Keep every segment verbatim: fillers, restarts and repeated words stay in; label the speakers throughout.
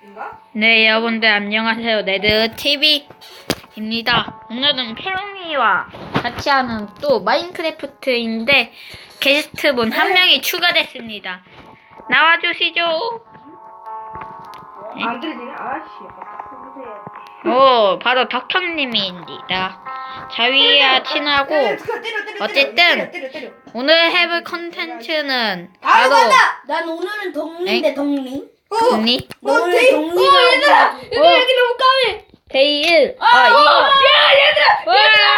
Speaker 1: 인가?
Speaker 2: 네, 여러분들 안녕하세요. 네드 티비입니다. 오늘은 페롱이와 같이 하는 또 마인크래프트인데 게스트분 한 명이 추가됐습니다. 나와주시죠.
Speaker 1: 어, 안 들리네. 아씨.
Speaker 2: 오, 바로 덕형님입니다. 자위와 친하고 어쨌든 오늘 해볼 컨텐츠는 바로
Speaker 3: 난 오늘은 덕리인데 덕리.
Speaker 2: 덕리
Speaker 3: 오늘
Speaker 1: 데이-
Speaker 3: 덕리.
Speaker 1: 어, 얘들아! 얘들아, 여기 너무 까매!
Speaker 2: 데이 일. 아, 이거.
Speaker 1: 야, 얘들아!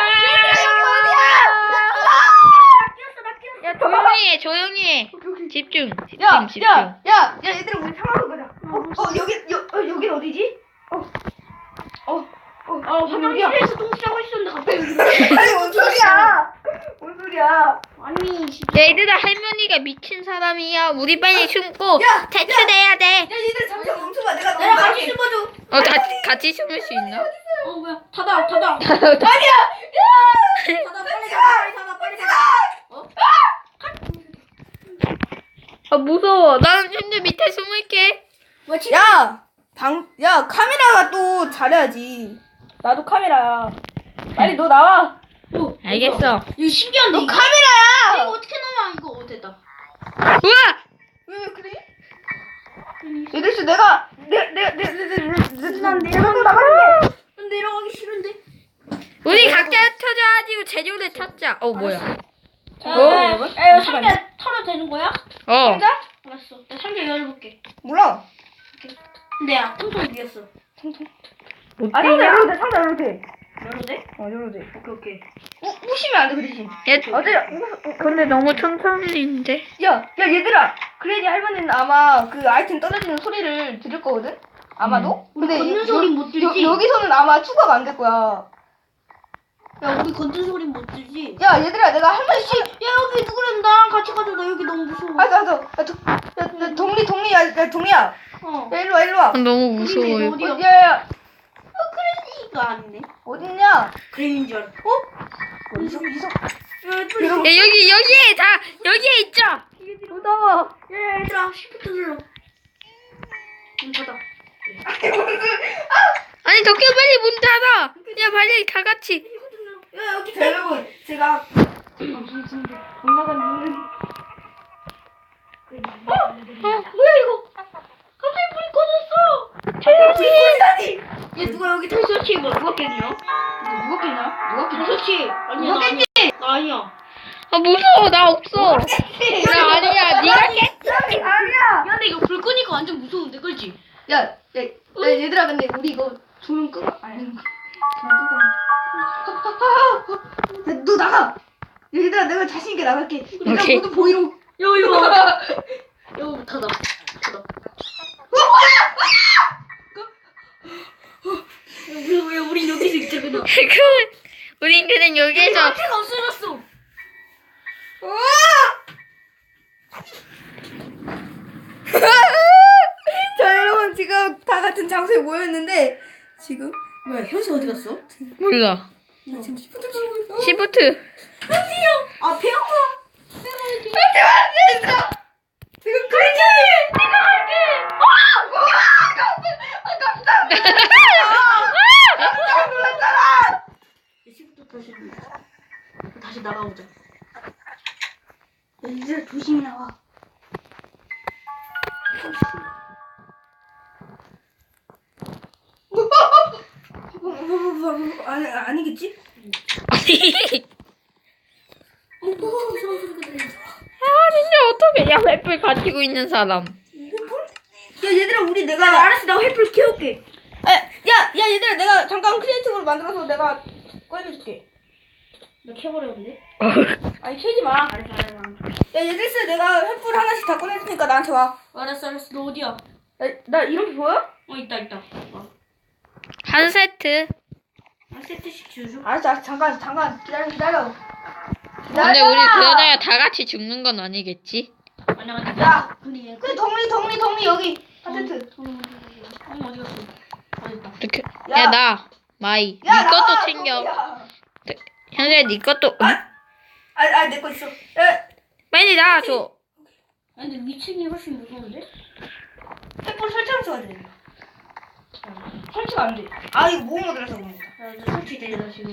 Speaker 2: 야, 조용히 해, 조용히 해. 집중, 집중,
Speaker 1: 야,
Speaker 2: 집중.
Speaker 1: 야, 야, 야, 얘들아, 우리 상황을 보자. 어, 어, 여기, 여, 어, 여긴 어디지? 어, 어, 어, 어,
Speaker 3: 화장실에서 똥 싸고 있었는데 갑자기.
Speaker 1: 아니, 뭔 소리야? 뭔 소리야?
Speaker 3: 아니
Speaker 2: 얘들아, 할머니가 미친 사람이야. 우리 빨리 숨고
Speaker 1: 야,
Speaker 2: 탈출해야 돼.
Speaker 1: 야, 얘들아, 잠시만 멈춰봐. 내가
Speaker 3: 내가
Speaker 1: 너무
Speaker 3: 같이 숨어줘.
Speaker 2: 어, 다, 같이 숨을 수 있나?
Speaker 3: 어 뭐야? 닫아 닫아.
Speaker 1: 아니야!
Speaker 3: 닫아 빨리 닫아 빨리 닫아 빨리 닫아. 어?
Speaker 2: 아, 무서워. 나는 현재 밑에 숨을게.
Speaker 3: 뭐 진짜?
Speaker 1: 야, 방, 야, 카메라가 또 잘해야지. 나도 카메라야. 빨리 너 나와.
Speaker 3: 어,
Speaker 2: 알겠어.
Speaker 3: 이거 신기한데.
Speaker 1: 너
Speaker 3: 이거.
Speaker 1: 카메라야!
Speaker 3: 이거 어떻게 나와? 이거 어 됐다.
Speaker 2: 우와!
Speaker 1: 왜, 왜 그래? 얘들 씨, 내가, 내, 내, 내, 내, 내, 내, 난 내려가고 나가는데.
Speaker 3: 난 내려가기 싫은데.
Speaker 2: 우리 각자 흩어져가지고 재료를 찾자. 어, 뭐야?
Speaker 3: 자,
Speaker 1: 어,
Speaker 3: 야,
Speaker 1: 여러분?
Speaker 3: 야, 이거
Speaker 1: 잠시만요.
Speaker 3: 상자 털어도 되는 거야?
Speaker 2: 어.
Speaker 1: 상자?
Speaker 3: 알았어. 나 상자 열어볼게.
Speaker 1: 몰라.
Speaker 3: 근데 야, 통통 비었어.
Speaker 1: 아, 상자 열어도 돼, 상자 열어도 돼.
Speaker 3: 열어도 돼?
Speaker 1: 어, 열어도 돼.
Speaker 3: 오케이 오케이.
Speaker 1: 우, 우시면 안 돼, 그 대신.
Speaker 2: 얘,
Speaker 1: 어제, 우,
Speaker 2: 근데 너무 천천히인데.
Speaker 1: 야, 야, 얘들아. 그래야지 할머니는 아마 그 아이템 떨어지는 소리를 들을 거거든? 아마도?
Speaker 3: 우리
Speaker 1: 근데
Speaker 3: 걷는
Speaker 1: 여-
Speaker 3: 소리 못 들지?
Speaker 1: 여, 여기서는 아마 추가가 안 될 거야.
Speaker 3: 야, 우리 걷는 소리 못 들지?
Speaker 1: 야, 얘들아, 내가 할머니 씨.
Speaker 3: 야, 여기 누구랑 나랑 같이 가자. 나 여기 너무 무서워.
Speaker 1: 알았어, 알았어. 야, 도, 야, 야, 동리, 동리, 야, 야, 동리야.
Speaker 3: 어.
Speaker 1: 야, 일로 와, 일로 와.
Speaker 2: 아, 너무 무서워요.
Speaker 3: 어디야?
Speaker 1: 어, 야, 야, 야,
Speaker 3: 어, 그래, 이거 아니네.
Speaker 1: 어딨냐?
Speaker 3: 그림인 줄 알아. 어?
Speaker 1: 어디서, 어디서?
Speaker 3: 야, 빨리.
Speaker 2: 야, 여기, 여기에 다, 여기에 있죠? 무서워.
Speaker 3: 야, 얘들아, 시프트 눌러. 문 닫아.
Speaker 2: 아니, 덕규 빨리 문 닫아. 야, 빨리 다 같이.
Speaker 3: 야, 여기
Speaker 1: 자, 여러분, 제가 못 나가는
Speaker 3: 어? 뭐야, 이거? 갑자기 불이 꺼졌어.
Speaker 1: 조용히!
Speaker 3: 얘 누가 여기 탈수치 뭐 누가 깼냐? 누가 깼냐? 누가 깼냐? 탈수치. 아니야, 나 아니야. 나 아니야.
Speaker 2: 아, 무서워. 나 없어. 나 아니야. 네가 깼어.
Speaker 1: 아니야!
Speaker 3: 야, 근데 이거 불 끄니까 완전 무서운데, 그렇지?
Speaker 1: 야, 야, 야, 얘들아, 근데 우리 이거 조명 끄고, 아니, 조명 끄고. 야, 너 나가! 얘들아, 내가 자신있게 나갈게. 내가
Speaker 2: 오케이.
Speaker 1: 모두 보이로.
Speaker 3: 야, 이거 봐. 이거 닫아. 닫아. 왜, 왜 우리 여기서 있자, 그냥.
Speaker 2: 그, 우린 그냥 여기에서.
Speaker 3: 앞에가 없어졌어.
Speaker 1: 자, 여러분, 지금 다 같은 장소에 모였는데, 지금.
Speaker 3: 뭐야, 현수 어디 갔어?
Speaker 2: 몰라.
Speaker 1: 나 지금 시프트 누르고 있어.
Speaker 2: 시프트.
Speaker 3: 아, 배영아.
Speaker 1: 얘들아! 지금 그랬지? 내가 할게! 아! 깜짝 놀랐잖아!
Speaker 3: 시부터 다시 눌러. 다시 나가보자. 야, 이제 조심히 나와.
Speaker 1: 아니, 아니겠지?
Speaker 3: 어, 무서운 소리가 들려.
Speaker 2: 아, 진짜 어떡해. 야, 횃불 가지고 있는 사람.
Speaker 1: 야, 얘들아, 우리 내가.
Speaker 3: 야, 알았어, 나 횃불 키울게.
Speaker 1: 아, 야, 야, 얘들아, 내가 잠깐 크리에이티브로 만들어서 내가 꺼내줄게.
Speaker 3: 나 켜버렸는데?
Speaker 1: 아니, 켜지 마.
Speaker 3: 알았어, 알았어.
Speaker 1: 야, 얘들스, 내가 횃불 하나씩 다 꺼내줄 테니까 나한테 와.
Speaker 3: 알았어, 알았어. 너 어디야?
Speaker 1: 야, 나 이렇게 보여?
Speaker 3: 어, 있다, 있다. 어.
Speaker 2: 한 세트.
Speaker 3: 한 세트씩 주죠.
Speaker 1: 알았어, 알았어, 잠깐, 잠깐, 기다려, 기다려.
Speaker 2: 근데 우리 그러다가 다 같이 죽는 건 아니겠지?
Speaker 3: 아니야, 아니야.
Speaker 1: 야,
Speaker 3: 근데 얘.
Speaker 1: 그 덕리, 덕리, 덕리, 여기. 한 세트.
Speaker 3: 어, 어디 갔어? 어디 있다.
Speaker 2: 이렇게.
Speaker 1: 야.
Speaker 2: 야, 나. 마이.
Speaker 1: 야,
Speaker 2: 네 것도
Speaker 1: 나와,
Speaker 2: 챙겨.
Speaker 1: 덕리야.
Speaker 2: 현재 네 것도. 응?
Speaker 1: 아, 아, 내 거 있어. 야,
Speaker 2: 빨리 나와줘.
Speaker 3: 아니, 근데 위층이 훨씬 무서운데?
Speaker 1: 횃불 설치하면서 가야 돼. 설치가 안 돼. 아 이거 뭐 모드라서 그런 거야.
Speaker 3: 나 설치되잖아 지금.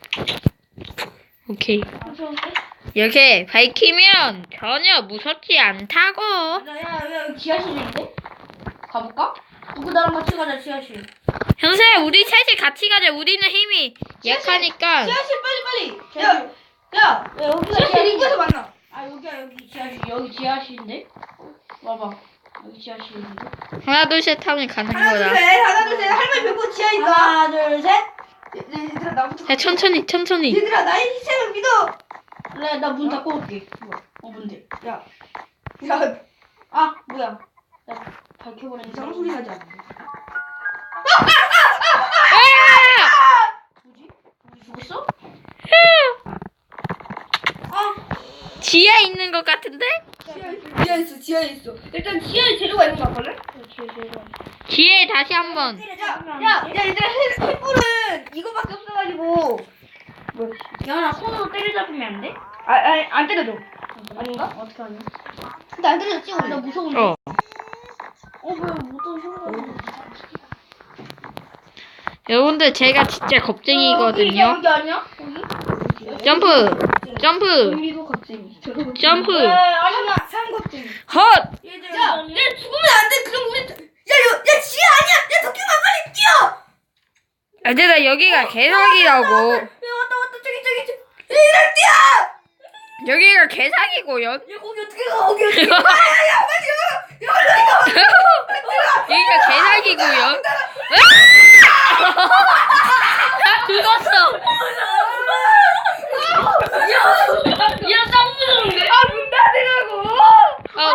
Speaker 2: 오케이.
Speaker 3: 무서운데?
Speaker 2: 이렇게 밝히면 전혀 무섭지 않다고.
Speaker 3: 야야 지하실인데? 가볼까? 누구 나랑 같이 가자 지하실.
Speaker 2: 형세, 우리 셋이 같이 가자. 우리는 힘이 약하니까.
Speaker 1: 지하실 빨리 빨리. 야, 야,
Speaker 3: 야 여기가
Speaker 1: 지하실 입구에서 만나.
Speaker 3: 아 여기야 여기 지하실 여기 지하실인데? 와봐 여기 지하실인데?
Speaker 2: 하나, 둘, 셋 하면 가는
Speaker 1: 하나 둘
Speaker 2: 거다.
Speaker 1: 셋, 하나 둘 셋. 할머니 뵙고 지하에 있어.
Speaker 3: 하나 둘 셋.
Speaker 1: 얘들아 나부터.
Speaker 2: 야, 천천히, 천천히.
Speaker 1: 얘들아 나의 희생을 믿어.
Speaker 3: 그래 나 문 닫고 올게. 뭐야? 어 뭔데?
Speaker 1: 야, 야,
Speaker 3: 아 뭐야? 나 밝혀버렸는데.
Speaker 1: 이상한 소리 하지 않아.
Speaker 3: 뭐지? 우리 죽었어?
Speaker 2: 지하에 있는 것 같은데?
Speaker 1: 지하에 있어, 지하에 있어, 지하에 있어. 일단 지하에 재료가 있는 거 같거든?
Speaker 2: 지하에 다시 한번.
Speaker 1: 야, 야, 야, 얘들아 해- 횃불은 이거밖에 없어가지고.
Speaker 3: 야나 손으로 때려잡으면 안 돼?
Speaker 1: 아, 아, 안 때려줘.
Speaker 3: 아닌가? 어떻게 하냐?
Speaker 1: 근데 안 때려줬지 우리.
Speaker 3: 나 무서운데.
Speaker 2: 어.
Speaker 3: 어 뭐야 못하는 소리가.
Speaker 2: 여러분들, 제가 진짜 겁쟁이거든요.
Speaker 3: 여기 아니야? 여기?
Speaker 2: 점프! 점프!
Speaker 3: 여기도 갑자기.
Speaker 2: 점프!
Speaker 3: 에 아니야.
Speaker 1: 삼겁쟁이.
Speaker 2: 헛!
Speaker 3: 얘들
Speaker 1: 야,
Speaker 3: 아니야.
Speaker 1: 얘 죽으면 안 돼. 그럼 우리, 야, 야, 야, 지하 아니야. 야, 도끼만 빨리 뛰어.
Speaker 2: 얘들아, 여기가 개사기라고.
Speaker 1: 야, 왔다, 왔다, 저기, 저기, 저기. 얘들아, 뛰어.
Speaker 2: 여기가 개사기고요.
Speaker 1: 야, 거기 어떻게 가? 거기 어떻게 가? 야, 야, 야, 빨리 가. 야, 빨리 가.
Speaker 2: 여기가 개사기고요. 죽었어.
Speaker 3: 야, 짱 무서운데?
Speaker 1: 아, 문 닫으라고.
Speaker 2: 아,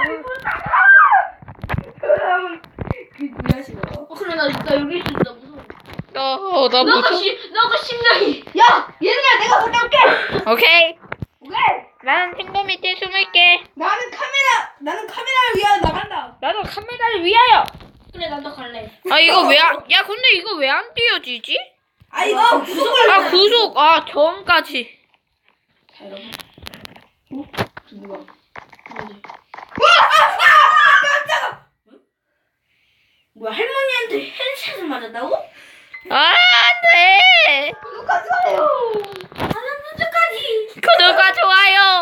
Speaker 1: 그 뭐야, 지금.
Speaker 3: 어, 그래, 나, 나 여기 있어. 나 무서워.
Speaker 2: 너, 너
Speaker 3: 나가
Speaker 2: 무슨?
Speaker 3: 시, 나가 심장이.
Speaker 1: 야, 얘들아, 내가 갔다 올게.
Speaker 2: 오케이.
Speaker 1: 오케이.
Speaker 2: 나는 탱고 밑에 숨을게.
Speaker 1: 나는 카메라, 나는 카메라를 위하여 나간다.
Speaker 2: 나도 카메라를 위하여.
Speaker 3: 그래, 나도 갈래.
Speaker 2: 아, 이거 왜 안? 야, 근데 이거 왜 안 띄어지지?
Speaker 1: 아, 이거 구속을.
Speaker 2: 아, 구속. 아, 저음까지.
Speaker 3: 자, 여러분. 어? 저 누가? 누구지?
Speaker 1: 깜짝아.
Speaker 3: 뭐야, 할머니한테 핸드샷을 맞았다고?
Speaker 2: 아, 안 돼.
Speaker 1: 구독하지 마요.
Speaker 3: 하나 문제까지.
Speaker 2: 구독과 좋아요.